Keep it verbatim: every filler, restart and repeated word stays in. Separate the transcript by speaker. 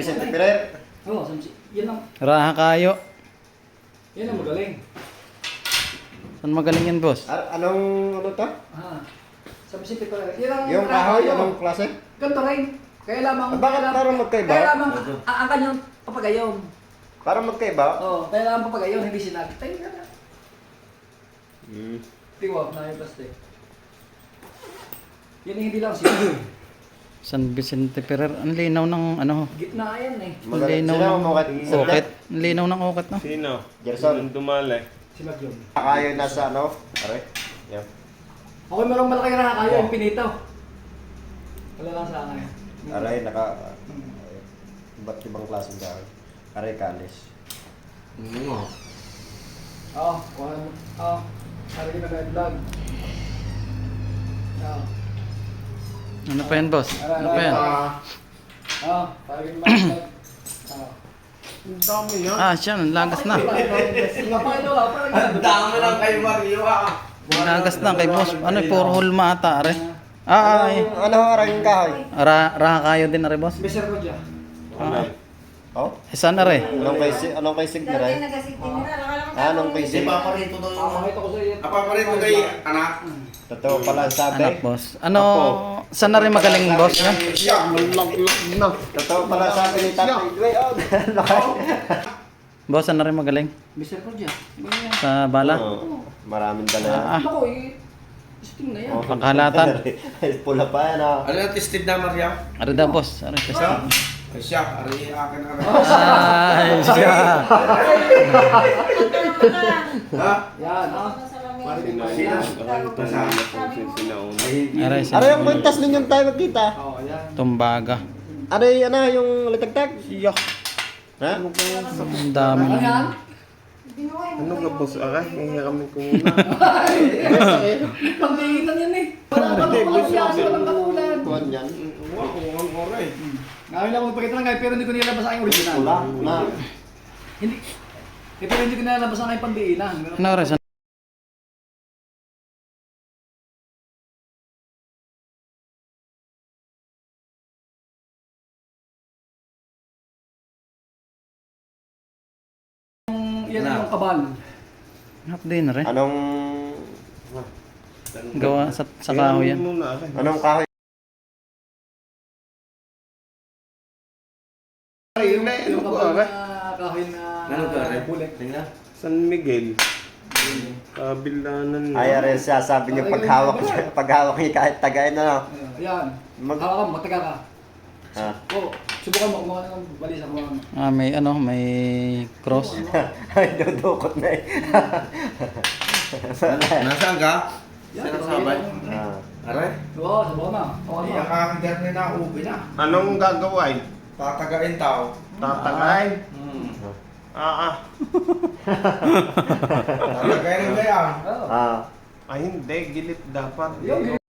Speaker 1: Vicente Ferrer.
Speaker 2: Oo, San Vicente. Yan ang,
Speaker 3: Raha kayo.
Speaker 2: yan ang magaling.
Speaker 3: Saan magaling yan, boss?
Speaker 1: Ar- anong ano to?
Speaker 2: Ah, San Vicente pala. Yan ang,
Speaker 1: Yung kahoy, anong klase?
Speaker 2: ganito rin. Kaya lamang,
Speaker 1: Ah, bakit
Speaker 2: kaya lam-
Speaker 1: parang magkaiba?
Speaker 2: Kaya lamang, ang, ang kanyang papagayon.
Speaker 1: Parang magkaiba.
Speaker 2: Oo, kaya lamang papagayon, hindi sinagit. Tayo ka na.
Speaker 1: Hmm.
Speaker 2: Tiwag na yung plastic. Yan ang hindi lang siya.
Speaker 3: San Vicente Ferrer. Ang linaw ng ano.
Speaker 2: Gitna yan eh.
Speaker 3: Ang
Speaker 1: Magaling.
Speaker 3: linaw
Speaker 1: Sino
Speaker 3: ng
Speaker 1: ang mukat?
Speaker 3: ukit. Ang linaw ng ukit, no?
Speaker 4: Sino?
Speaker 1: Gerson.
Speaker 4: Yung dumali.
Speaker 2: Si Magyom.
Speaker 1: Kayo nasa ano? Are? Yan.
Speaker 2: Ako merong malaki na kaya yung pinito. Wala lang sa akin.
Speaker 1: Aray, naka... Ba't ibang klaseng kahoy? Aray, kalis.
Speaker 4: Oo.
Speaker 2: Oo, kuha mo. Oo, sarili na na vlog. Oo.
Speaker 3: Ano pa yan, boss? Ano pa yan?
Speaker 2: Oo, sarili na vlog. Oo.
Speaker 4: Ang dami yan.
Speaker 3: Ah, siya. Ang lagas na.
Speaker 4: Ang dami lang kay Mario ah.
Speaker 3: Ang lagas na kay boss. Ano, puro hulma ata, are. Ah, ay.
Speaker 1: Anong, ano aray yung kahoy?
Speaker 3: Ra raha kayo din, are, boss.
Speaker 2: Beser ko dyan.
Speaker 3: Ah.
Speaker 1: Oh?
Speaker 3: Eh, saan, are?
Speaker 1: Anong kay, si- anong kay Sig na rin? Ah, anong kay Sig?
Speaker 4: Ipaparito daw yung...
Speaker 2: Pakita ko sa iyo.
Speaker 4: Ipaparito kay anak.
Speaker 1: Totoo pala ang sabi.
Speaker 3: Anak, boss. Ano, saan na rin magaling, boss? Ha?
Speaker 4: Siya, malaglag na.
Speaker 1: Totoo pala ang sabi ni Tatay Dway. Oh, laki.
Speaker 3: Boss, saan na rin magaling?
Speaker 2: Beser ko dyan. Iba na yan.
Speaker 3: Sa bala?
Speaker 1: Oo, maraming dala yan.
Speaker 3: Ah,
Speaker 2: Ako eh. Sting na yan.
Speaker 1: Oh,
Speaker 3: pangkalatan.
Speaker 1: Pula pa yan ah.
Speaker 4: Ano yung tested na Mario?
Speaker 3: Are daw, boss. Are, kasi.
Speaker 4: Ay siya, ari akin ari.
Speaker 3: Ay, siya.
Speaker 4: Ha?
Speaker 2: Yan, ah.
Speaker 3: Aray,
Speaker 1: Ano yung kwintas ninyong tayo magkita?
Speaker 2: Oo, yan.
Speaker 3: Tumbaga.
Speaker 1: Ano yung ano yung litagtag?
Speaker 4: Siya.
Speaker 1: Ha?
Speaker 3: Ang dami
Speaker 2: Ano
Speaker 3: na.
Speaker 2: yan?
Speaker 4: Ano ka boss? Aray, hihiramin ko muna.
Speaker 2: Pagdahitan yan eh. Wala ka lang yan, walang katulad.
Speaker 1: Kuhan yan.
Speaker 4: Wow, ang oray.
Speaker 2: Ngayon lang magpakita lang kayo pero hindi ko nilabas ang original.
Speaker 1: Wala. Na.
Speaker 2: Hindi. Eh, pero hindi ko nilabas ang aking pandiinan.
Speaker 3: Ano, are? Saan?
Speaker 2: Yan ang kabal.
Speaker 3: Half day na rin.
Speaker 1: Anong
Speaker 3: Gawa sa, sa kahoy yan.
Speaker 4: Muna, aray.
Speaker 1: anong kahoy?
Speaker 2: Yung,
Speaker 4: Ano
Speaker 2: yung
Speaker 4: po,
Speaker 2: kabal
Speaker 4: aray?
Speaker 2: na kahoy na
Speaker 4: Ano ka, aray?
Speaker 2: bullet.
Speaker 4: San Miguel. Kabilanan na.
Speaker 1: Ay, aray siya sabi niyo paghawak niya, paghawak niya kahit tagay na lang.
Speaker 2: Ayan.
Speaker 1: Mag-
Speaker 2: Hawakan mo, mataga ka.
Speaker 1: Ha?
Speaker 2: Oo. Subukan mo, kumuha ng balisa. Kumuha mo.
Speaker 3: Ah, may ano, may cross.
Speaker 1: Ay, dudukot na eh.
Speaker 4: Nasaan ka?
Speaker 2: Yan,
Speaker 4: Saan ang sabay?
Speaker 1: Ah.
Speaker 4: Aray?
Speaker 2: Oo, subukan mo. Hawakan mo.
Speaker 4: Iya kakagat na na ubi na.
Speaker 5: Anong gagawin?
Speaker 4: Tatagain tao.
Speaker 5: Tatagay?
Speaker 4: Hmm.
Speaker 5: Ah, ah.
Speaker 4: Tatagain na yan.
Speaker 2: Oo.
Speaker 1: Ah.
Speaker 5: Ay, hindi. Gilit dapat.
Speaker 2: Yung